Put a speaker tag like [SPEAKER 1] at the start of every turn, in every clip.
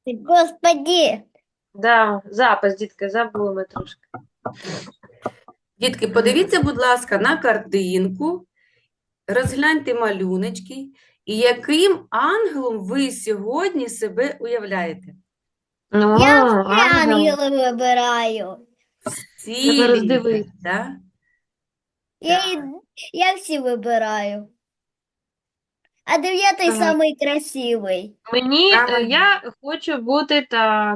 [SPEAKER 1] Господи.
[SPEAKER 2] Да, запис, дітки, забули ми трошки.
[SPEAKER 3] Дітки, подивіться, будь ласка, на картинку, розгляньте малюночки, і яким ангелом ви сьогодні себе уявляєте?
[SPEAKER 2] Ну,
[SPEAKER 1] Я все
[SPEAKER 2] ангел.
[SPEAKER 1] ангела вибираю.
[SPEAKER 3] Всі
[SPEAKER 2] Треба
[SPEAKER 3] Ліза,
[SPEAKER 2] роздивитися.
[SPEAKER 3] да?
[SPEAKER 1] Я, і- я всі вибираю. А 9-й
[SPEAKER 2] Так.
[SPEAKER 1] самий красивий.
[SPEAKER 2] Мені,
[SPEAKER 3] Правильно.
[SPEAKER 2] я хочу бути так,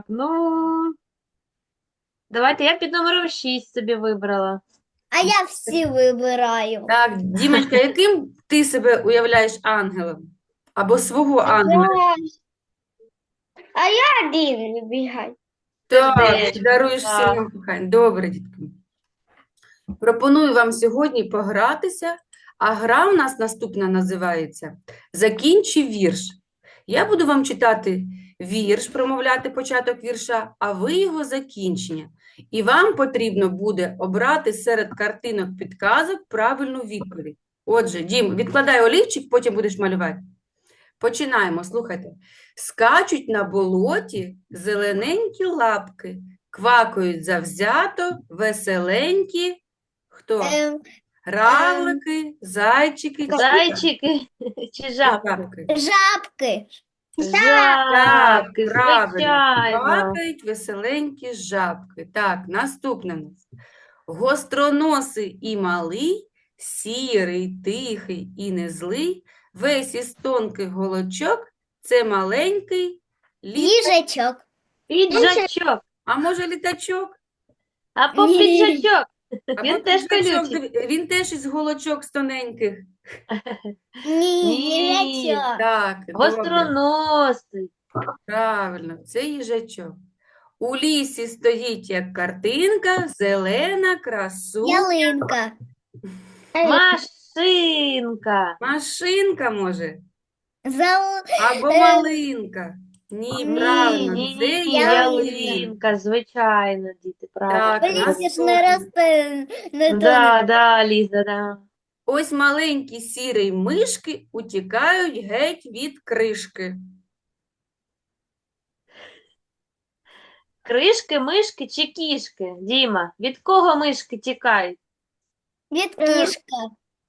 [SPEAKER 2] давайте я під номером 6 собі вибрала.
[SPEAKER 1] А я всі вибираю.
[SPEAKER 3] Так, Дімочка, яким ти себе уявляєш ангелом? Або свого ангела?
[SPEAKER 1] А я один вибігаю.
[SPEAKER 3] Так,
[SPEAKER 2] Сердечко,
[SPEAKER 3] ти даруєш
[SPEAKER 2] так.
[SPEAKER 3] всім кохання. Добре, дітки. Пропоную вам сьогодні погратися, а гра в нас наступна називається «Закінчи вірш». Я буду вам читати вірш, промовляти початок вірша, а ви його закінчення. І вам потрібно буде обрати серед картинок підказок правильну відповідь. Отже, Дім, відкладай олівчик, потім будеш малювати. Починаємо, слухайте. Скачуть на болоті зелененькі лапки, квакають завзято, веселенькі. Хто? Равлики, зайчики чи
[SPEAKER 2] Зайчики чи жабки?
[SPEAKER 3] жабки?
[SPEAKER 1] Жабки.
[SPEAKER 3] Так,
[SPEAKER 2] Жабки,
[SPEAKER 3] правильно.
[SPEAKER 2] звичайно.
[SPEAKER 3] Квакають веселенькі жабки. Так, наступне в нас. Гостроносий і малий, сірий, тихий і незлий, весь із тонких голочок – це маленький
[SPEAKER 1] Їжачок.
[SPEAKER 2] Піджачок.
[SPEAKER 3] А може літачок?
[SPEAKER 2] Або
[SPEAKER 1] Ні.
[SPEAKER 2] піджачок.
[SPEAKER 3] Або
[SPEAKER 2] Він теж
[SPEAKER 3] піджачок,
[SPEAKER 2] колючий.
[SPEAKER 3] він теж із голочок з тоненьких.
[SPEAKER 1] Ні,
[SPEAKER 2] Ні.
[SPEAKER 1] їжачок.
[SPEAKER 3] Так, добре.
[SPEAKER 2] Гостроносий.
[SPEAKER 3] Правильно, це їжачок. У лісі стоїть як картинка, зелена,
[SPEAKER 1] Ялинка.
[SPEAKER 2] Машинка.
[SPEAKER 3] машинка, може,
[SPEAKER 1] Зал...
[SPEAKER 3] або малинка. Ні,
[SPEAKER 1] Ні,
[SPEAKER 3] правильно,
[SPEAKER 2] Ні,
[SPEAKER 3] це ялинка.
[SPEAKER 2] ялинка, звичайно, діти, правильно.
[SPEAKER 3] Так,
[SPEAKER 1] В лісі ж
[SPEAKER 3] наступне.
[SPEAKER 1] не росте, не
[SPEAKER 2] Да, Ліза, да.
[SPEAKER 3] Ось маленькі сірі мишки утікають геть від кришки.
[SPEAKER 2] Кришки, мишки чи кішки? Діма, від кого мишки тікають?
[SPEAKER 1] від кішка.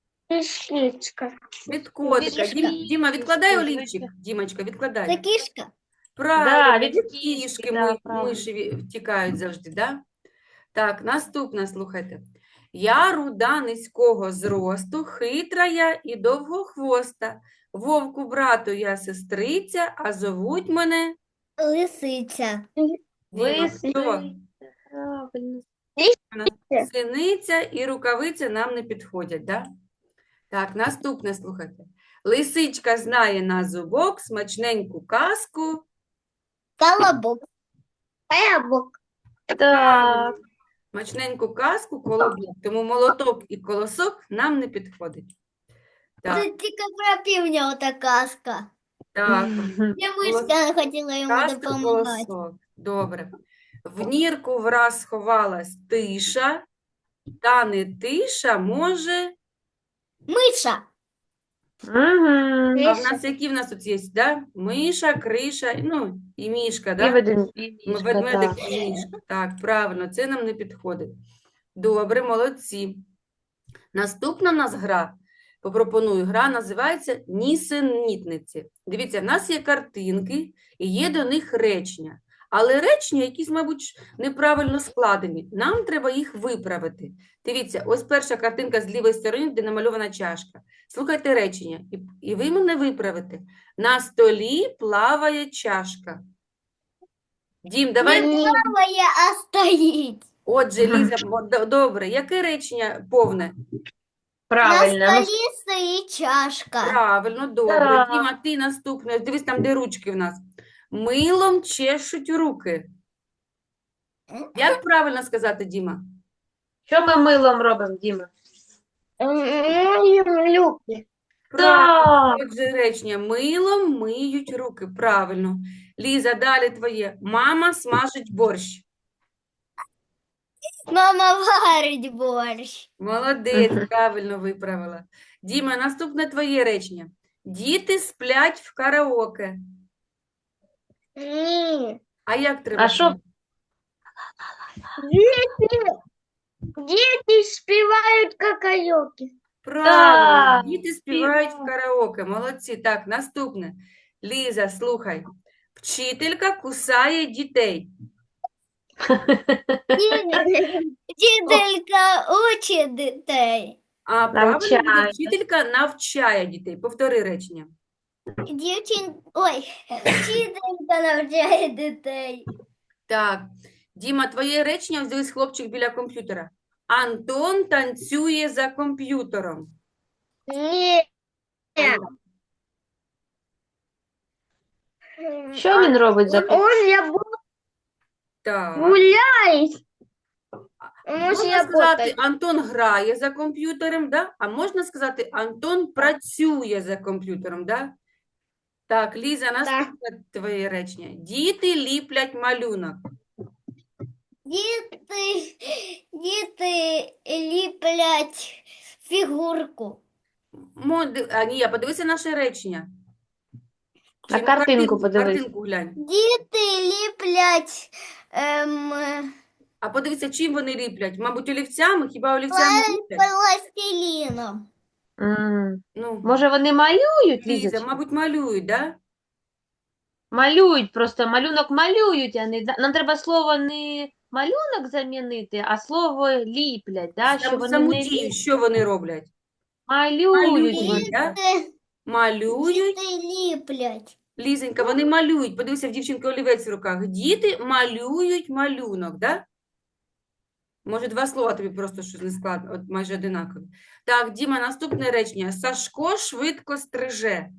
[SPEAKER 3] Від котика.
[SPEAKER 1] Кішка.
[SPEAKER 3] Діма, відкладай
[SPEAKER 2] Кішки,
[SPEAKER 3] олівчик.
[SPEAKER 2] звичайно.
[SPEAKER 3] Дімочка,
[SPEAKER 1] Це
[SPEAKER 3] відкладай.
[SPEAKER 1] кішка.
[SPEAKER 3] Правильно,
[SPEAKER 2] від
[SPEAKER 3] від
[SPEAKER 2] кішки,
[SPEAKER 3] кішки
[SPEAKER 2] да, правильно.
[SPEAKER 3] миші втікають завжди, да? Так, наступне, слухайте. Я руда низького зросту, хитра я і довгохвоста. Вовку брату я сестриця, а зовуть мене
[SPEAKER 1] Лисиця.
[SPEAKER 3] Діма, хто?
[SPEAKER 2] Правильно.
[SPEAKER 3] Синиця і рукавиця нам не підходять, да? Так, наступне, слухайте. Лисичка знає на зубок смачненьку казку.
[SPEAKER 1] Колобок. Колобок.
[SPEAKER 2] Так,
[SPEAKER 3] Смачненьку казку колобок. Тому молоток і колосок нам не підходить. Так,
[SPEAKER 1] Це тільки про півня ота казка.
[SPEAKER 3] так.
[SPEAKER 1] Я мишка хотіла йому
[SPEAKER 3] Казка
[SPEAKER 1] допомагати.
[SPEAKER 3] колосок. Добре. В нірку враз сховалась тиша, та не тиша може.
[SPEAKER 1] Миша.
[SPEAKER 2] Мгм.
[SPEAKER 3] А в нас які в нас тут є, да? Миша, криша, ну, і мішка,
[SPEAKER 2] І
[SPEAKER 3] да?
[SPEAKER 2] мішка,
[SPEAKER 3] Ведмедик
[SPEAKER 2] так.
[SPEAKER 3] і мішка. Так, правильно, це нам не підходить. Добре, молодці. Наступна в нас гра, попропоную, гра називається «Нісенітниці». Дивіться, в нас є картинки і є до них речення. Але речення якісь, мабуть, неправильно складені. Нам треба їх виправити. Дивіться, ось перша картинка з лівої сторони, де намальована чашка. Слухайте речення, і ви мене виправите. На столі плаває чашка. Дім, давай.
[SPEAKER 1] Плаває, а стоїть.
[SPEAKER 3] Отже, Ліза, добре, яке речення повне?
[SPEAKER 2] Правильно.
[SPEAKER 1] На столі стоїть чашка.
[SPEAKER 3] Правильно, добре.
[SPEAKER 2] Так.
[SPEAKER 3] Діма, ти наступне. Дивись, там, де ручки в нас. Милом чешуть руки. Як правильно сказати, Діма?
[SPEAKER 2] Що ми милом робимо, Діма?
[SPEAKER 1] Люблю.
[SPEAKER 2] Так.
[SPEAKER 3] Отже, речення. Милом миють руки. Правильно. Ліза, далі твоє. Мама смажить борщ.
[SPEAKER 1] Мама варить борщ.
[SPEAKER 3] Молодець, правильно виправила. Діма, наступне твоє речення. Діти сплять в караоке.
[SPEAKER 1] Ні.
[SPEAKER 3] А як треба?
[SPEAKER 2] А що?
[SPEAKER 1] Діти співають какайоки.
[SPEAKER 3] Правильно,
[SPEAKER 2] Так,
[SPEAKER 3] діти співають в
[SPEAKER 2] співають.
[SPEAKER 3] караоке. Молодці. Так, наступне. Ліза, слухай. Вчителька кусає дітей.
[SPEAKER 1] Вчителька учить дітей.
[SPEAKER 3] А правильно буде
[SPEAKER 2] Навчає.
[SPEAKER 3] вчителька навчає дітей. Повтори речення.
[SPEAKER 1] Вчителька навчає дітей.
[SPEAKER 3] Так, Діма, твоє речення, ось дивись, хлопчик біля комп'ютера. Антон танцює за комп'ютером.
[SPEAKER 1] Ні.
[SPEAKER 2] Що він робить за
[SPEAKER 3] Так.
[SPEAKER 1] гуляє.
[SPEAKER 3] Можна сказати, Антон грає за комп'ютером, да? А можна сказати, Антон працює за комп'ютером, да? Так, Ліза, наступне твоє речення. Діти ліплять малюнок.
[SPEAKER 1] Діти ліплять фігурку.
[SPEAKER 3] Ні, подивися наше речення.
[SPEAKER 2] На
[SPEAKER 3] Чи
[SPEAKER 2] картинку подивись.
[SPEAKER 3] Картинку глянь.
[SPEAKER 1] Діти ліплять
[SPEAKER 3] А подивися, чим вони ліплять? Мабуть, олівцями? Хіба олівцями ліплять?
[SPEAKER 1] пластиліном.
[SPEAKER 3] Ну,
[SPEAKER 2] Може, вони малюють,
[SPEAKER 3] Ліза,
[SPEAKER 2] Лізочка?
[SPEAKER 3] мабуть, малюють, да?
[SPEAKER 2] Малюють, просто малюнок малюють, а не... Нам треба слово не малюнок замінити, а слово ліплять, да? Що вони
[SPEAKER 3] Саму
[SPEAKER 2] не
[SPEAKER 3] дію, що вони роблять?
[SPEAKER 2] малюють.
[SPEAKER 3] Малюють, да?
[SPEAKER 1] Діти
[SPEAKER 3] Малюють.
[SPEAKER 1] ліплять.
[SPEAKER 3] Лізенька, вони малюють. Подивися, в дівчинки олівець в руках. Діти малюють малюнок, да? Може, два слова тобі просто щось не складно, от майже одинакові. Так, Діма, наступне речення. Сашко швидко стриже.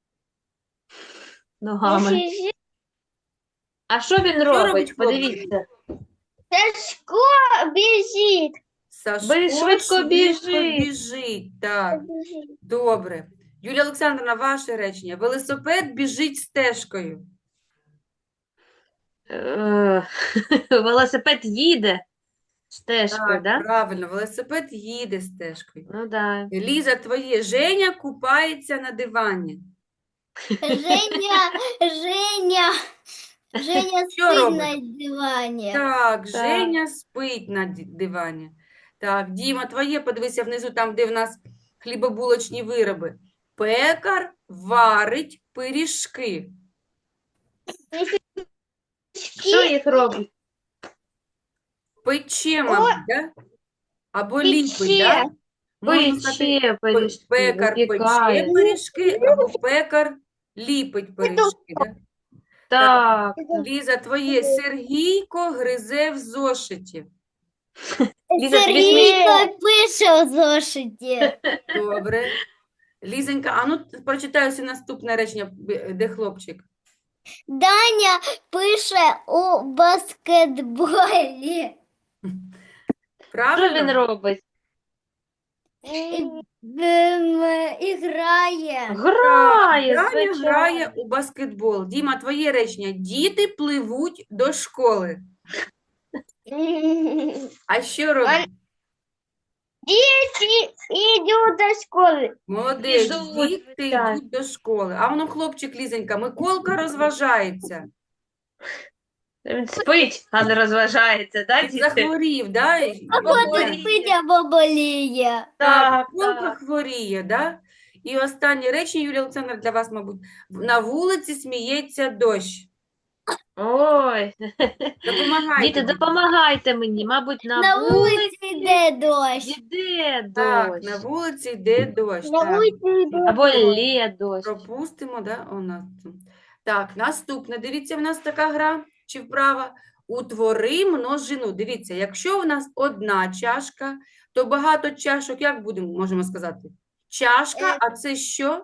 [SPEAKER 2] Ногами. А що він
[SPEAKER 3] робить
[SPEAKER 2] робить?
[SPEAKER 3] хлопчик?
[SPEAKER 2] Подивіться.
[SPEAKER 1] Сашко біжить.
[SPEAKER 3] Сашко
[SPEAKER 2] Швидко біжить.
[SPEAKER 3] біжить. Так, добре. Юлія Олександрівна, ваше речення. Велосипед біжить стежкою.
[SPEAKER 2] Велосипед їде стежкою,
[SPEAKER 3] Так,
[SPEAKER 2] да?
[SPEAKER 3] правильно, велосипед їде стежкою.
[SPEAKER 2] Ну, да.
[SPEAKER 3] Ліза, твоє. Женя купається на дивані.
[SPEAKER 1] Женя
[SPEAKER 3] Що
[SPEAKER 1] спить
[SPEAKER 3] робить?
[SPEAKER 1] на дивані.
[SPEAKER 3] Так, Женя спить на дивані. Так, Діма, твоє, подивися внизу, там, де в нас хлібобулочні вироби. Пекар варить пиріжки.
[SPEAKER 2] Що їх робить?
[SPEAKER 3] Пече, мабуть, да? Або ліпить, да? Можна сказати,
[SPEAKER 2] Пече пиріжки,
[SPEAKER 3] пекар пече
[SPEAKER 2] випікає.
[SPEAKER 3] пиріжки, або пекар ліпить пиріжки, да?
[SPEAKER 2] Так,
[SPEAKER 3] Ліза, твоє. Сергійко гризе в зошиті.
[SPEAKER 2] Ліза, тобі
[SPEAKER 1] Сергійко пише у зошиті.
[SPEAKER 3] Добре. Лізенька, а ну прочитаю все наступне речення, де хлопчик.
[SPEAKER 1] Даня пише у баскетболі.
[SPEAKER 2] що
[SPEAKER 3] Правильно?
[SPEAKER 2] він робить?
[SPEAKER 1] Іграє.
[SPEAKER 2] Грає,
[SPEAKER 3] Даня
[SPEAKER 2] звичайно.
[SPEAKER 3] грає у баскетбол. Діма, твоє речення. Діти пливуть до школи. А що робить?
[SPEAKER 1] Діти йдуть до школи.
[SPEAKER 3] Молодець,
[SPEAKER 2] Ідуть,
[SPEAKER 3] діти
[SPEAKER 2] звичайно.
[SPEAKER 3] йдуть до школи. А воно хлопчик Лізенька, Миколка розважається.
[SPEAKER 2] Він спить, а не розважається, да, діти?
[SPEAKER 3] Захворів, да?
[SPEAKER 1] Ходить спить або боліє.
[SPEAKER 2] Так,
[SPEAKER 3] Миколка
[SPEAKER 2] так.
[SPEAKER 3] хворіє, да? І останнє речення, Юлія Олександровна, для вас, мабуть. На вулиці сміється дощ.
[SPEAKER 2] Ой,
[SPEAKER 3] Допомагайте.
[SPEAKER 2] діти, допомагайте мені. Мабуть,
[SPEAKER 1] На
[SPEAKER 2] на вулиці
[SPEAKER 1] вулиці йде дощ.
[SPEAKER 2] йде
[SPEAKER 3] Так,
[SPEAKER 2] дощ.
[SPEAKER 3] на вулиці йде дощ.
[SPEAKER 1] На
[SPEAKER 3] Так.
[SPEAKER 1] вулиці йде
[SPEAKER 2] Або лє дощ.
[SPEAKER 3] Пропустимо, да? У нас тут. Так, наступне. Дивіться, в нас така гра чи вправа. Утвори множину. Дивіться, якщо в нас одна чашка, то багато чашок, як можемо сказати? Чашка, а це що?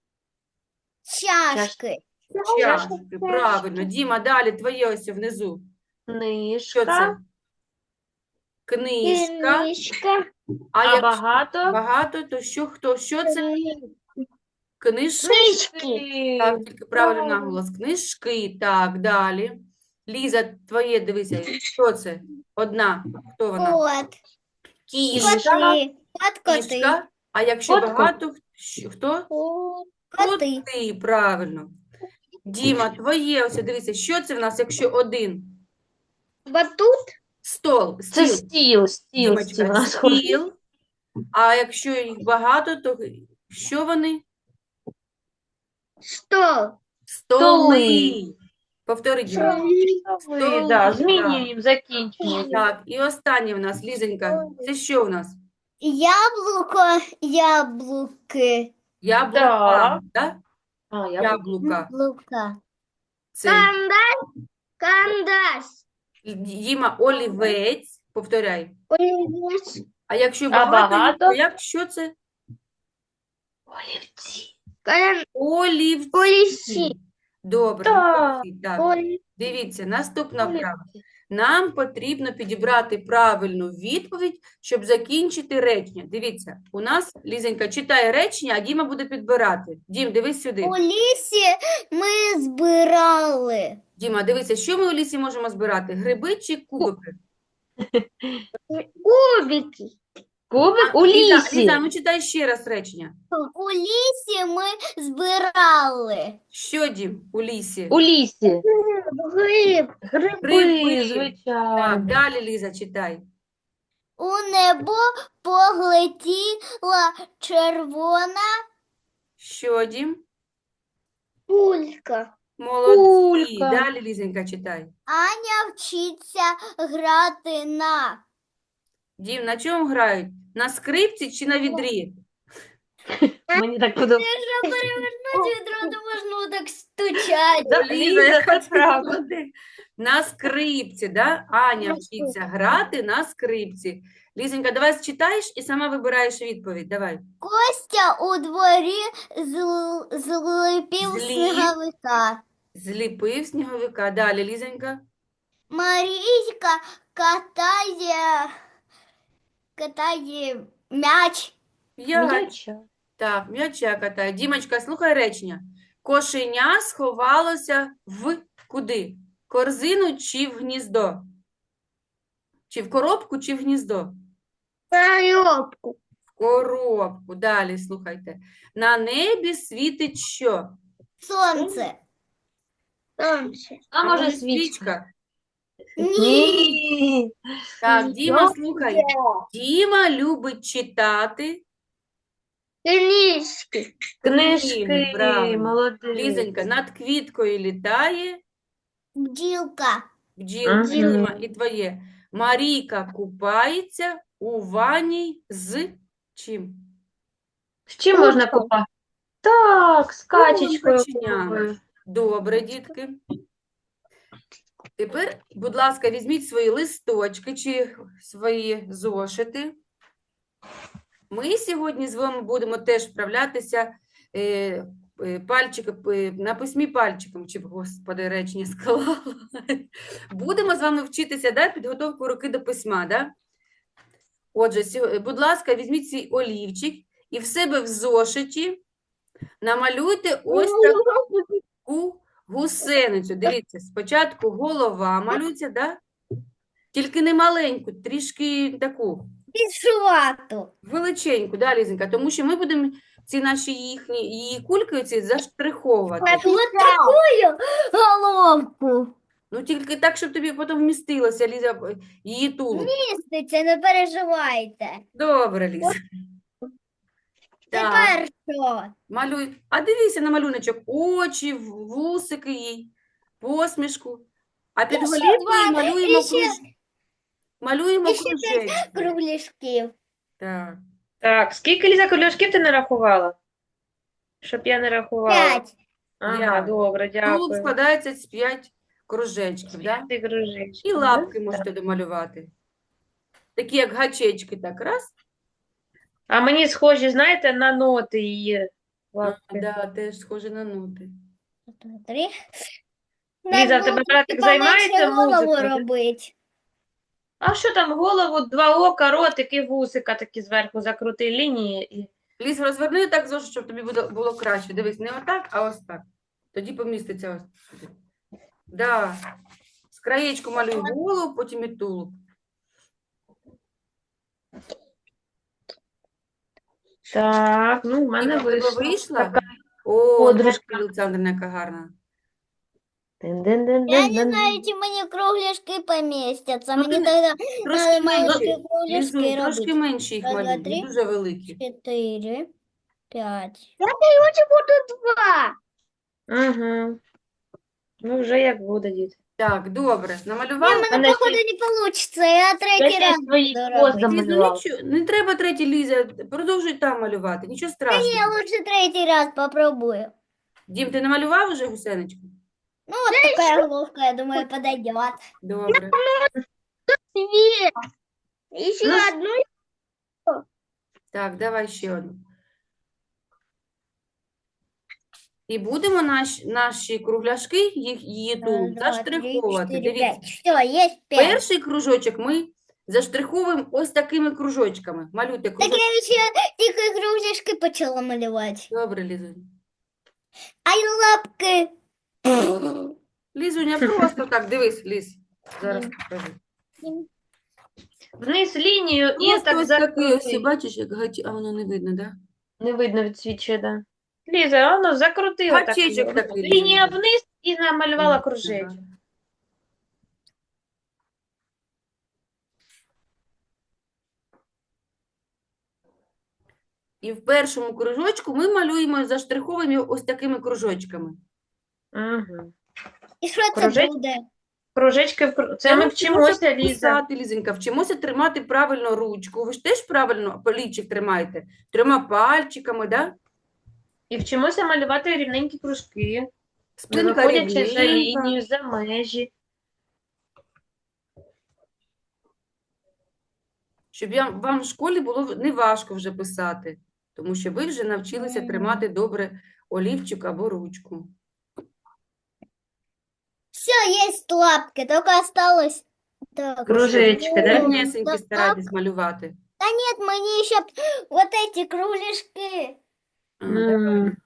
[SPEAKER 1] чашки.
[SPEAKER 3] Чашки, правильно. Діма, далі твоє ось внизу. Що
[SPEAKER 2] Книжка,
[SPEAKER 3] це? Книжка.
[SPEAKER 1] Книжка.
[SPEAKER 3] А
[SPEAKER 2] а
[SPEAKER 3] якщо
[SPEAKER 2] багато
[SPEAKER 3] багато, то що, хто? Що це? Книжки.
[SPEAKER 1] Книжки.
[SPEAKER 3] Так, тільки правильно наголос. Книжки. Так, далі. Ліза, твоє, дивися, що це? Одна. Хто вона?
[SPEAKER 1] Кот.
[SPEAKER 3] Кішка,
[SPEAKER 1] Коти. Коти.
[SPEAKER 3] кішка. А якщо
[SPEAKER 2] Котко.
[SPEAKER 3] багато, хто?
[SPEAKER 1] Коти.
[SPEAKER 3] Коти, правильно. Діма, твоє, ось дивися, що це в нас, якщо один?
[SPEAKER 1] Батут.
[SPEAKER 3] Стол,
[SPEAKER 2] Це
[SPEAKER 3] стіл.
[SPEAKER 2] стіл у
[SPEAKER 3] Дімочка,
[SPEAKER 2] нас схоже.
[SPEAKER 3] стіл. А якщо їх багато, то що вони?
[SPEAKER 1] Стол.
[SPEAKER 3] Столи. Повтори, Діма.
[SPEAKER 2] Столи, да,
[SPEAKER 3] Столи,
[SPEAKER 2] змінюємо закінчення.
[SPEAKER 3] Так, і останнє в нас, Лізонька, це що в нас?
[SPEAKER 1] Яблуки.
[SPEAKER 3] Яблука, так?
[SPEAKER 2] А, я
[SPEAKER 3] Яблука.
[SPEAKER 1] Яблука.
[SPEAKER 3] Це
[SPEAKER 1] Кандаш.
[SPEAKER 3] Діма, олівець, повторяй.
[SPEAKER 1] Олівець.
[SPEAKER 3] А якщо
[SPEAKER 2] А
[SPEAKER 3] багато, їх,
[SPEAKER 2] багато?
[SPEAKER 3] то як, що це?
[SPEAKER 2] олівці.
[SPEAKER 3] Олівці.
[SPEAKER 1] Олівці.
[SPEAKER 3] Добре,
[SPEAKER 2] Так,
[SPEAKER 3] молодці, так. Дивіться, наступна вправа. Нам потрібно підібрати правильну відповідь, щоб закінчити речення. Дивіться, у нас Лізенька читає речення, а Діма буде підбирати. Дім, дивись сюди.
[SPEAKER 1] У лісі ми збирали.
[SPEAKER 3] Діма, дивися, що ми у лісі можемо збирати? Гриби чи кубики?
[SPEAKER 1] Кубики.
[SPEAKER 2] Кубик у
[SPEAKER 3] Ліза,
[SPEAKER 2] лісі.
[SPEAKER 3] Ліза, ну читай ще раз речення.
[SPEAKER 1] У лісі ми збирали.
[SPEAKER 3] Що, Дім, у лісі?
[SPEAKER 2] У лісі.
[SPEAKER 1] Гриб.
[SPEAKER 2] Гриби,
[SPEAKER 3] Гриби. Так,
[SPEAKER 2] звичайно.
[SPEAKER 3] далі, Ліза, читай.
[SPEAKER 1] У небо поглетіла червона
[SPEAKER 3] Що, Дім?
[SPEAKER 1] пулька.
[SPEAKER 3] Молодці.
[SPEAKER 2] Кулька.
[SPEAKER 3] Далі, Лізенька, читай.
[SPEAKER 1] Аня вчиться грати на.
[SPEAKER 3] Дім, на чому грають? На скрипці чи на відрі?
[SPEAKER 2] Мені так подобається.
[SPEAKER 1] Якщо перевернути відро, то можна так стучати.
[SPEAKER 2] Да,
[SPEAKER 3] Ліза,
[SPEAKER 2] Ліза,
[SPEAKER 3] яка
[SPEAKER 2] це
[SPEAKER 3] ти
[SPEAKER 2] правда.
[SPEAKER 3] молодець. На скрипці, да? Аня
[SPEAKER 1] На
[SPEAKER 3] вчиться грати на скрипці. Лізенька, давай читаєш і сама вибираєш відповідь. Давай.
[SPEAKER 1] Костя у дворі зліпив
[SPEAKER 3] Зліп.
[SPEAKER 1] сніговика.
[SPEAKER 3] Зліпив сніговика. Далі, Лізенька.
[SPEAKER 1] Марійка катає м'яч.
[SPEAKER 3] П'ять.
[SPEAKER 2] М'яча.
[SPEAKER 3] Так, м'яча катає. Дімочка, слухай речення. Кошеня сховалося в куди? Корзину чи в гніздо? Чи в коробку, чи в гніздо?
[SPEAKER 1] Коробку.
[SPEAKER 3] В коробку. Далі, слухайте. На небі світить що?
[SPEAKER 1] Сонце. Сонце.
[SPEAKER 2] А може
[SPEAKER 3] може,
[SPEAKER 2] свічка?
[SPEAKER 1] Ні.
[SPEAKER 3] Так, Діма, слухай. Діма любить читати.
[SPEAKER 1] Книжки.
[SPEAKER 2] Книжки,
[SPEAKER 3] правильно.
[SPEAKER 2] молодець.
[SPEAKER 3] Лізонька, над квіткою літає
[SPEAKER 1] Бджілка.
[SPEAKER 3] бджілка.
[SPEAKER 2] Мгм.
[SPEAKER 3] Діма, і твоє. Марійка купається у ванні з чим?
[SPEAKER 2] З чим можна
[SPEAKER 1] Куркою.
[SPEAKER 2] купати? Так, з качечкою.
[SPEAKER 3] каченям.
[SPEAKER 2] куркою.
[SPEAKER 3] Добре, дітки. Тепер, будь ласка, візьміть свої листочки чи свої зошити. Ми сьогодні з вами будемо теж вправлятися на письмі пальчиком, чи, господи, речення склала. Будемо з вами вчитися, да, підготовку руки до письма, да? Отже, будь ласка, візьміть свій олівчик і в себе в зошиті намалюйте ось таку гусеницю. Дивіться, спочатку голова малюється, да? Тільки не маленьку, трішки таку.
[SPEAKER 1] Пішувату.
[SPEAKER 3] Величеньку, да, Лізенька, тому що ми будемо ці наші її кульки оці заштриховувати.
[SPEAKER 1] Ось таку головку.
[SPEAKER 3] Ну, тільки так, щоб тобі потім вмістилося, Ліза, її тулуб.
[SPEAKER 1] Міститься, не переживайте.
[SPEAKER 3] Добре, Ліза. Так,
[SPEAKER 1] Тепер що?
[SPEAKER 3] малюй. А дивися на малюночок. Очі, вусики їй, посмішку. А під
[SPEAKER 1] ще
[SPEAKER 3] голівкою
[SPEAKER 1] два,
[SPEAKER 3] малюємо
[SPEAKER 1] і ще-
[SPEAKER 3] малюємо
[SPEAKER 1] і ще
[SPEAKER 3] кружечки.
[SPEAKER 1] Кругляшків.
[SPEAKER 3] Так.
[SPEAKER 2] Так, скільки, Ліза, кольошків ти нарахувала? Щоб я не рахувала.
[SPEAKER 1] 5.
[SPEAKER 2] Ага,
[SPEAKER 3] П'ять.
[SPEAKER 2] добре,
[SPEAKER 3] Тулуб
[SPEAKER 2] дякую.
[SPEAKER 3] складається з 5 кружечків, да?
[SPEAKER 2] Ти кружечки,
[SPEAKER 3] І
[SPEAKER 2] да?
[SPEAKER 3] лапки можете домалювати. Такі, як гачечки, так, раз.
[SPEAKER 2] А мені схожі, знаєте, на ноти її лапки.
[SPEAKER 3] Да, теж схоже на ноти.
[SPEAKER 1] 3.
[SPEAKER 2] Ліза, в тебе братик займається
[SPEAKER 1] голову
[SPEAKER 2] музикою?
[SPEAKER 1] робить.
[SPEAKER 2] А що там, голову, два ока, ротик і вусика такі зверху закрути лінії. І...
[SPEAKER 3] Ліз, розверни так, зошит, щоб тобі було краще. Дивись, не отак, а ось так. Тоді поміститься ось сюди. Да. З краєчку малюй голову, потім і тулуб.
[SPEAKER 2] Так, ну, в мене
[SPEAKER 3] Іва, в тебе
[SPEAKER 2] вийшло.
[SPEAKER 3] вийшла?
[SPEAKER 2] Така
[SPEAKER 3] О,
[SPEAKER 2] подружка.
[SPEAKER 3] Олександрівна, яка гарна.
[SPEAKER 1] Я не
[SPEAKER 2] Дин-дин-дин-дин-дин.
[SPEAKER 1] знаю, чи мені кругляшки помістяться.
[SPEAKER 3] Ну,
[SPEAKER 1] Мені
[SPEAKER 3] ти не-
[SPEAKER 1] тоді
[SPEAKER 3] Трошки
[SPEAKER 1] надо маленькі
[SPEAKER 3] менше.
[SPEAKER 1] кругляшки
[SPEAKER 3] Лізунь, трошки
[SPEAKER 1] робити.
[SPEAKER 3] менше їх
[SPEAKER 1] Раз, два,
[SPEAKER 3] малюй, не
[SPEAKER 1] три.
[SPEAKER 3] дуже великі.
[SPEAKER 1] 4, 5.
[SPEAKER 2] Угу. Ну, вже як буде, діти.
[SPEAKER 3] Так, добре.
[SPEAKER 1] Ні,
[SPEAKER 3] Намалювали?
[SPEAKER 1] мене,
[SPEAKER 2] Мене
[SPEAKER 1] походу,
[SPEAKER 2] ще-
[SPEAKER 1] не вийде. Я
[SPEAKER 2] Я
[SPEAKER 1] третій
[SPEAKER 2] ще
[SPEAKER 1] раз
[SPEAKER 2] свої
[SPEAKER 1] буду
[SPEAKER 2] хвост
[SPEAKER 1] робити.
[SPEAKER 3] Ліза,
[SPEAKER 2] замалювала.
[SPEAKER 3] нічого, не треба третій, Ліза, продовжуй там малювати, нічого
[SPEAKER 1] Я
[SPEAKER 3] страшного.
[SPEAKER 1] лучше третій раз попробую.
[SPEAKER 3] Дім, ти намалював уже гусеничку?
[SPEAKER 1] Ну, вот такая головка, я думаю, подойдет.
[SPEAKER 3] Добре.
[SPEAKER 1] Две. Еще
[SPEAKER 2] Ну,
[SPEAKER 1] одну.
[SPEAKER 3] Так, давай ще одну. І будемо наші кругляшки, її
[SPEAKER 1] Раз,
[SPEAKER 3] тулуб,
[SPEAKER 1] два, три,
[SPEAKER 3] заштриховувати.
[SPEAKER 1] четыре,
[SPEAKER 3] Дивіться,
[SPEAKER 1] пять. Все, есть 5.
[SPEAKER 3] перший кружочок ми заштриховуємо ось такими кружочками. Малюйте
[SPEAKER 1] Так
[SPEAKER 3] кружочки.
[SPEAKER 1] я еще тихо кружечки почала малевать.
[SPEAKER 3] Добре, Лізунь.
[SPEAKER 1] Ай, лапки.
[SPEAKER 3] Лізуня, просто так, дивись, Ліз. Зараз покажу.
[SPEAKER 2] Вниз лінію і
[SPEAKER 3] Просто
[SPEAKER 2] так
[SPEAKER 3] ось такий, ось,
[SPEAKER 2] закрути.
[SPEAKER 3] бачиш, як а воно не видно, так?
[SPEAKER 2] Не видно відсвічує, да. Ліза, воно закрутила так.
[SPEAKER 3] Гачечок
[SPEAKER 2] його.
[SPEAKER 3] такий,
[SPEAKER 2] Лінія
[SPEAKER 3] Ліза.
[SPEAKER 2] вниз і намалювала
[SPEAKER 3] Ага.
[SPEAKER 2] кружечок.
[SPEAKER 3] І в першому кружочку ми малюємо, заштриховуємо ось такими кружочками.
[SPEAKER 2] Угу.
[SPEAKER 1] І що це
[SPEAKER 2] Кружечки?
[SPEAKER 1] буде?
[SPEAKER 2] Кружечки, це ми вчимося, Ліза.
[SPEAKER 3] писати, Лізенька, вчимося тримати правильно ручку. Ви ж теж правильно полічик тримаєте? Трьома пальчиками, да?
[SPEAKER 2] І вчимося малювати рівненькі кружки, не
[SPEAKER 3] Спинка
[SPEAKER 2] виходячи за
[SPEAKER 3] рівненька.
[SPEAKER 2] лінію, за межі.
[SPEAKER 3] Щоб вам в школі було не важко вже писати, тому що ви вже навчилися тримати добре олівчик або ручку.
[SPEAKER 1] Все, есть лапки, только осталось... Так,
[SPEAKER 2] Кружечки, да?
[SPEAKER 3] Рівнесенькі
[SPEAKER 1] так.
[SPEAKER 3] старайтесь малювати.
[SPEAKER 1] Нет, мне еще вот эти кругляшки.
[SPEAKER 2] М.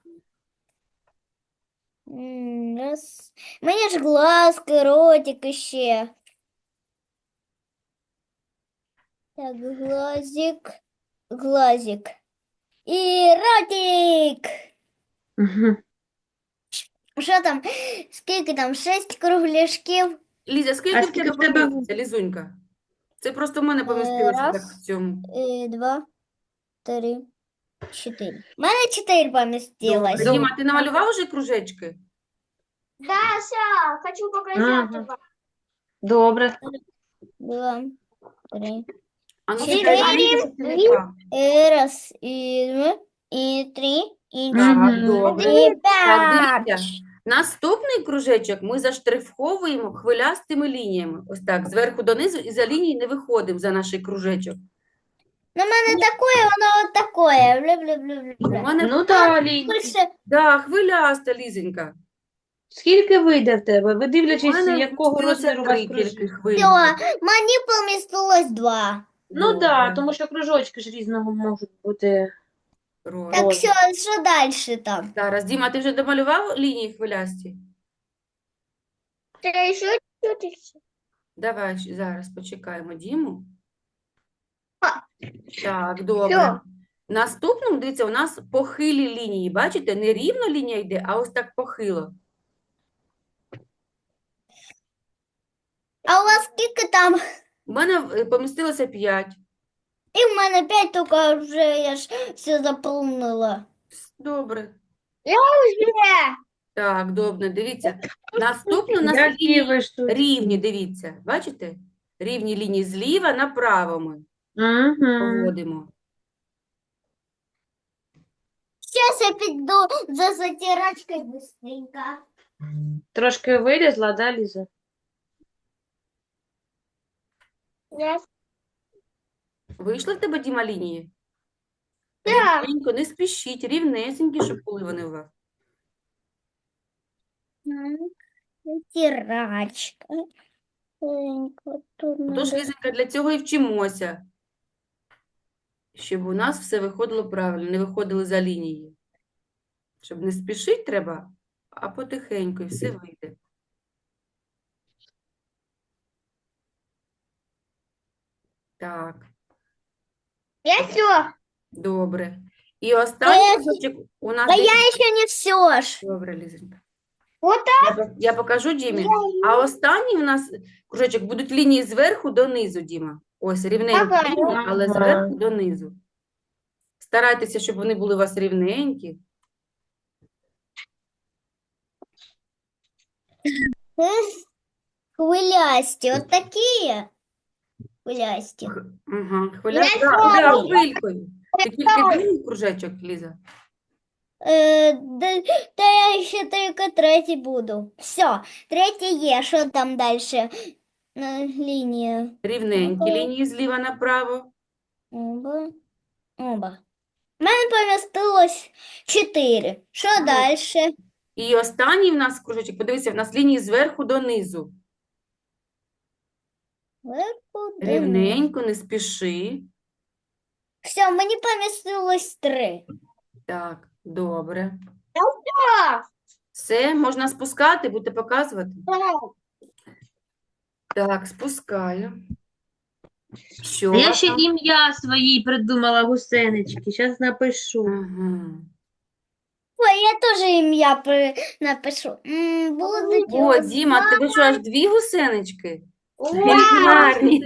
[SPEAKER 1] Раз. Мне ж глазки, ротик еще. Так, глазик, глазик. И ротик.
[SPEAKER 2] Мгм.
[SPEAKER 1] Что там? Сколько там? 6 кругляшків.
[SPEAKER 3] Ліза, скільки в
[SPEAKER 2] скільки
[SPEAKER 3] тебе
[SPEAKER 2] в тебе?
[SPEAKER 3] поміститься, Лізунька? Це просто в мене помістилося так
[SPEAKER 1] раз.
[SPEAKER 3] в цьому.
[SPEAKER 1] 2, 3, 4. У мене 4 помістилось.
[SPEAKER 3] Добре. Діма, ти намалював вже кружечки?
[SPEAKER 1] Да, все, хочу показать
[SPEAKER 2] Ага. Добре.
[SPEAKER 1] 2, 3.
[SPEAKER 3] А ну,
[SPEAKER 1] Чотири.
[SPEAKER 3] чекай, Ліза, це не так.
[SPEAKER 1] Раз, и два, и три, и
[SPEAKER 3] Так,
[SPEAKER 2] Мгм.
[SPEAKER 3] добре.
[SPEAKER 1] и
[SPEAKER 3] Так,
[SPEAKER 1] пять.
[SPEAKER 3] дивіться. Наступний кружечок ми заштриховуємо хвилястими лініями. Ось так, зверху донизу, і за лінії не виходимо за наш кружечок.
[SPEAKER 1] Ну, у мене такое, воно от такое.
[SPEAKER 3] У
[SPEAKER 1] Бля-бля-бля-бля.
[SPEAKER 3] мене,
[SPEAKER 2] Ну далі.
[SPEAKER 1] Більше
[SPEAKER 3] да, хвиляста, Лізенька.
[SPEAKER 2] Скільки вийде в тебе? Ви
[SPEAKER 3] У
[SPEAKER 2] дивлячись,
[SPEAKER 3] мене
[SPEAKER 2] якого
[SPEAKER 3] вмістилося
[SPEAKER 2] розміру у вас
[SPEAKER 3] 3
[SPEAKER 2] кружечок.
[SPEAKER 3] тільки хвилі.
[SPEAKER 1] все, мені помістилось 2.
[SPEAKER 2] Ну
[SPEAKER 3] Добре.
[SPEAKER 2] так, тому що кружочки ж різного можуть бути.
[SPEAKER 3] Роз.
[SPEAKER 1] Так,
[SPEAKER 2] Розмір.
[SPEAKER 1] все, що далі там?
[SPEAKER 3] Зараз, Діма, ти вже домалював лінії хвилясті?
[SPEAKER 1] Це ще чуть-чуть.
[SPEAKER 3] Давай зараз почекаємо Діму.
[SPEAKER 1] А.
[SPEAKER 3] Так, добре.
[SPEAKER 1] Всьо.
[SPEAKER 3] Наступному, дивіться, у нас похилі лінії. Бачите, не рівно лінія йде, а ось так похило.
[SPEAKER 1] А у вас скільки там?
[SPEAKER 3] У мене помістилося 5.
[SPEAKER 1] І в мене 5, тільки вже я ж все заповнила.
[SPEAKER 3] Добре.
[SPEAKER 1] Вже.
[SPEAKER 3] Так, добре, дивіться. Наступно у нас
[SPEAKER 2] Які
[SPEAKER 3] лінії
[SPEAKER 2] ви штуки.
[SPEAKER 3] рівні, дивіться. Бачите? Рівні лінії зліва направо ми
[SPEAKER 2] Угу.
[SPEAKER 3] проводимо.
[SPEAKER 1] Зараз я піду за затирачкою быстренько.
[SPEAKER 2] Трошки вилізла, да, Ліза?
[SPEAKER 3] Вийшли в тебе, Діма, лінії?
[SPEAKER 1] Так.
[SPEAKER 3] Рівненько, не спішіть, рівнесенькі, щоб були вони у вас.
[SPEAKER 1] Затирачка. Тут
[SPEAKER 3] Тож,
[SPEAKER 1] надо.
[SPEAKER 3] Лізенька, для цього і вчимося, щоб у нас все виходило правильно, не виходили за лінії. Щоб не спішити треба, а потихеньку, і все вийде. Так,
[SPEAKER 1] Я все.
[SPEAKER 3] добре. І останній
[SPEAKER 1] я-
[SPEAKER 3] кружочок у нас
[SPEAKER 1] Да
[SPEAKER 3] десь-
[SPEAKER 1] я еще не все ж.
[SPEAKER 3] Добре, Лізенька.
[SPEAKER 1] Вот
[SPEAKER 3] Я покажу Дімі. А останній у нас кружечок будуть лінії зверху донизу, Діма. Ось рівненькі
[SPEAKER 1] Ага.
[SPEAKER 3] лінії, але
[SPEAKER 2] Ага.
[SPEAKER 3] зверху донизу. Старайтеся, щоб вони були у вас рівненькі.
[SPEAKER 1] хвилясті, от такі хвилясті.
[SPEAKER 3] Ага,
[SPEAKER 1] Я
[SPEAKER 3] хвилясті.
[SPEAKER 1] знаю.
[SPEAKER 3] Хвилькою. Ти тільки другий кружечок, Ліза?
[SPEAKER 1] Та я ще тільки третій буду. Все, третій є. Що там далі? Лінія.
[SPEAKER 3] Рівненькі
[SPEAKER 1] Ага.
[SPEAKER 3] лінії зліва направо.
[SPEAKER 1] Оба. Оба. У мене помістилось 4. Що далі?
[SPEAKER 3] І останній в нас кружечок, подивися, в нас лінії зверху донизу. Рівненько, не спіши.
[SPEAKER 1] Все, мені помістилось 3.
[SPEAKER 3] Так, добре. Все, можна спускати, будете показувати? Так, спускаю. Що
[SPEAKER 2] А я
[SPEAKER 3] у вас
[SPEAKER 2] ще
[SPEAKER 3] там?
[SPEAKER 2] ім'я свої придумала, гусенички. Зараз напишу.
[SPEAKER 3] Ага.
[SPEAKER 1] Ой, я теж ім'я напишу. Будуть
[SPEAKER 3] О,
[SPEAKER 1] його
[SPEAKER 3] Діма, в тебе що, аж 2 гусенички?
[SPEAKER 1] Вау!
[SPEAKER 3] Гарні.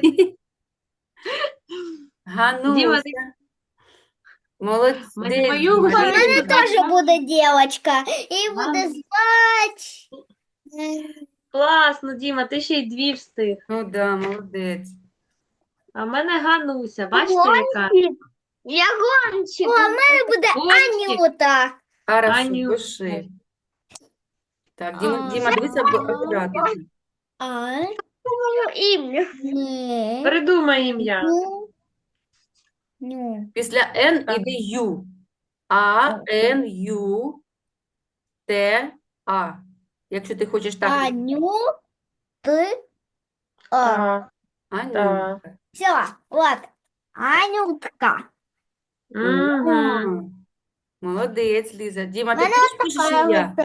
[SPEAKER 2] Діма,
[SPEAKER 3] Гануся. Молодець,
[SPEAKER 2] мою
[SPEAKER 3] Діма.
[SPEAKER 1] У мене
[SPEAKER 2] гусеницю
[SPEAKER 1] теж буде дівчинка. І буде
[SPEAKER 2] Ага.
[SPEAKER 1] звати.
[SPEAKER 2] Класно, Діма, ти ще й 2 встиг.
[SPEAKER 3] Ну да, молодець.
[SPEAKER 2] А в мене Гануся, бачите, яка?
[SPEAKER 1] Я гончик. О, у мене буде
[SPEAKER 2] Гончик.
[SPEAKER 1] Анюта.
[SPEAKER 3] Хорошо,
[SPEAKER 2] Аню.
[SPEAKER 3] пиши. Так,
[SPEAKER 1] А.
[SPEAKER 3] Діма, дивися акуратно.
[SPEAKER 1] А? Ім'я. Ні.
[SPEAKER 2] Придумай ім'я.
[SPEAKER 1] Ну. Ну.
[SPEAKER 3] Після Н іде Ю. А, Н, Ю, Т, А. Якщо ти хочеш так.
[SPEAKER 1] Аню. Ти. А.
[SPEAKER 2] Ага,
[SPEAKER 3] Аню.
[SPEAKER 2] так.
[SPEAKER 1] Все, вот. Анютка.
[SPEAKER 2] Угу.
[SPEAKER 3] Молодець, Ліза. Діма, ти
[SPEAKER 1] Мене
[SPEAKER 3] теж пишеш ім'я?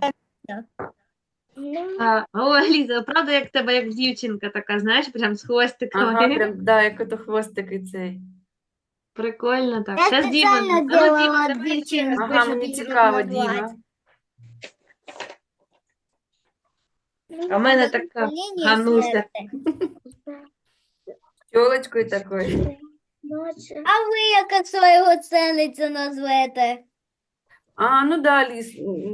[SPEAKER 2] Ой, Ліза, правда, як в тебе, як дівчинка така, знаєш, прям з хвостиками.
[SPEAKER 3] Ага, прям, да, як ото хвостики цей.
[SPEAKER 2] Прикольно так.
[SPEAKER 1] Я
[SPEAKER 2] Щас Діма,
[SPEAKER 1] спеціально
[SPEAKER 2] ну, Діма,
[SPEAKER 1] делала
[SPEAKER 2] давай ще
[SPEAKER 1] дівчинку,
[SPEAKER 2] раз.
[SPEAKER 3] Ага,
[SPEAKER 1] щоб
[SPEAKER 3] мені
[SPEAKER 1] її
[SPEAKER 3] цікаво,
[SPEAKER 1] назвати.
[SPEAKER 3] Діма.
[SPEAKER 2] А в мене така
[SPEAKER 1] Лінія
[SPEAKER 2] Гануся.
[SPEAKER 1] серця.
[SPEAKER 3] Тілочкою такою.
[SPEAKER 1] А ви як свого ценицю назвете?
[SPEAKER 3] А, ну да, Ліз.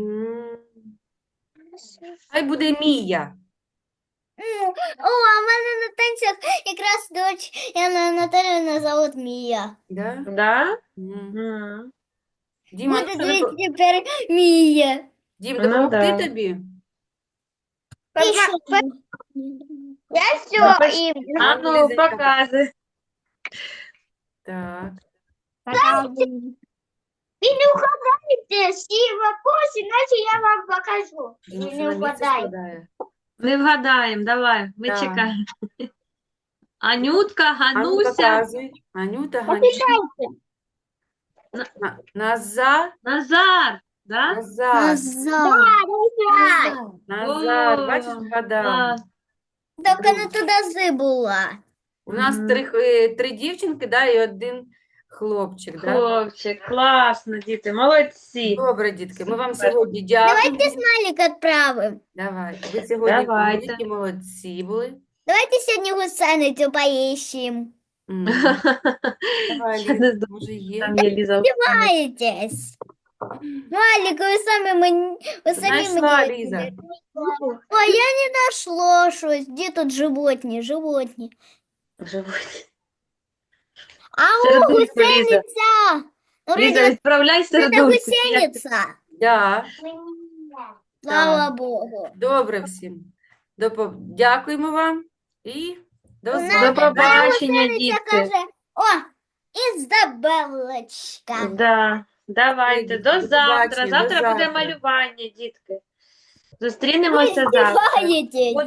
[SPEAKER 3] Хай буде Мія.
[SPEAKER 1] О, а в мене на танцях якраз дочь Яна Наталіна зовут Мія.
[SPEAKER 3] Да?
[SPEAKER 2] Да?
[SPEAKER 3] М. Діма, ну,
[SPEAKER 1] Буде
[SPEAKER 3] що,
[SPEAKER 1] тепер Мія.
[SPEAKER 3] Дім,
[SPEAKER 2] Ну,
[SPEAKER 3] допомогти
[SPEAKER 2] да.
[SPEAKER 3] тобі?
[SPEAKER 1] Я
[SPEAKER 2] Напиш-
[SPEAKER 1] ім'я.
[SPEAKER 2] А ну,
[SPEAKER 3] Ліза,
[SPEAKER 2] показуй.
[SPEAKER 3] Так.
[SPEAKER 1] Ви не угадаєте всі вопроси, иначе я вам покажу.
[SPEAKER 3] Діма
[SPEAKER 1] Ви
[SPEAKER 3] все
[SPEAKER 1] не
[SPEAKER 3] на місце
[SPEAKER 1] угадаєте.
[SPEAKER 3] складає.
[SPEAKER 2] Не вгадаємо, давай, ми
[SPEAKER 3] Так.
[SPEAKER 2] чекаємо. Анютка,
[SPEAKER 3] А ну,
[SPEAKER 2] Гануся,
[SPEAKER 3] показуй. Анюта, Ганюта. Назар.
[SPEAKER 2] Назар, да?
[SPEAKER 3] Назар. Назар.
[SPEAKER 2] О,
[SPEAKER 3] Бачиш, вгадав.
[SPEAKER 2] клас.
[SPEAKER 1] Тільки не туди зибула.
[SPEAKER 3] У нас
[SPEAKER 2] Мгм.
[SPEAKER 3] три дівчинки, да, і один хлопчик, да?
[SPEAKER 2] Хлопчик, класно, діти, молодці.
[SPEAKER 3] Добре, дітки, ми вам
[SPEAKER 2] Супер.
[SPEAKER 3] сьогодні дякуємо.
[SPEAKER 1] Смайлик відправимо.
[SPEAKER 3] Давай. Ви сьогодні
[SPEAKER 2] Давайте.
[SPEAKER 3] великі молодці були.
[SPEAKER 1] Давайте сьогодні гусеницю поїщимо.
[SPEAKER 3] М. Давай,
[SPEAKER 2] Я
[SPEAKER 3] Ліза,
[SPEAKER 2] не знаю,
[SPEAKER 3] може є?
[SPEAKER 2] Там є Ліза.
[SPEAKER 1] Маєтесь. Малик, ви самі мені... Ви самі
[SPEAKER 3] Знайшла,
[SPEAKER 1] мені...
[SPEAKER 3] Ліза.
[SPEAKER 1] Ой, я не знайшла щось. Де тут животні? Животні.
[SPEAKER 2] Живуть.
[SPEAKER 1] А
[SPEAKER 2] Сердечко,
[SPEAKER 1] о,
[SPEAKER 2] Ліза.
[SPEAKER 1] гусениця! Ну,
[SPEAKER 2] Ліза,
[SPEAKER 1] вроде,
[SPEAKER 2] відправляй
[SPEAKER 1] це
[SPEAKER 2] сердечко.
[SPEAKER 1] гусениця.
[SPEAKER 3] Да.
[SPEAKER 1] Слава Богу.
[SPEAKER 3] Добре всім. Дякуємо вам і до
[SPEAKER 1] У нас
[SPEAKER 2] До
[SPEAKER 3] зустрічі.
[SPEAKER 2] побачення,
[SPEAKER 1] гусениця
[SPEAKER 2] дітки.
[SPEAKER 1] каже, о, Ізабелочка.
[SPEAKER 2] Да. Давайте, до
[SPEAKER 3] До
[SPEAKER 2] завтра.
[SPEAKER 3] побачення, до
[SPEAKER 2] Завтра буде
[SPEAKER 3] завтра.
[SPEAKER 2] малювання, дітки.
[SPEAKER 1] Ви
[SPEAKER 2] Зустрінемося завтра.
[SPEAKER 1] здіваєтесь.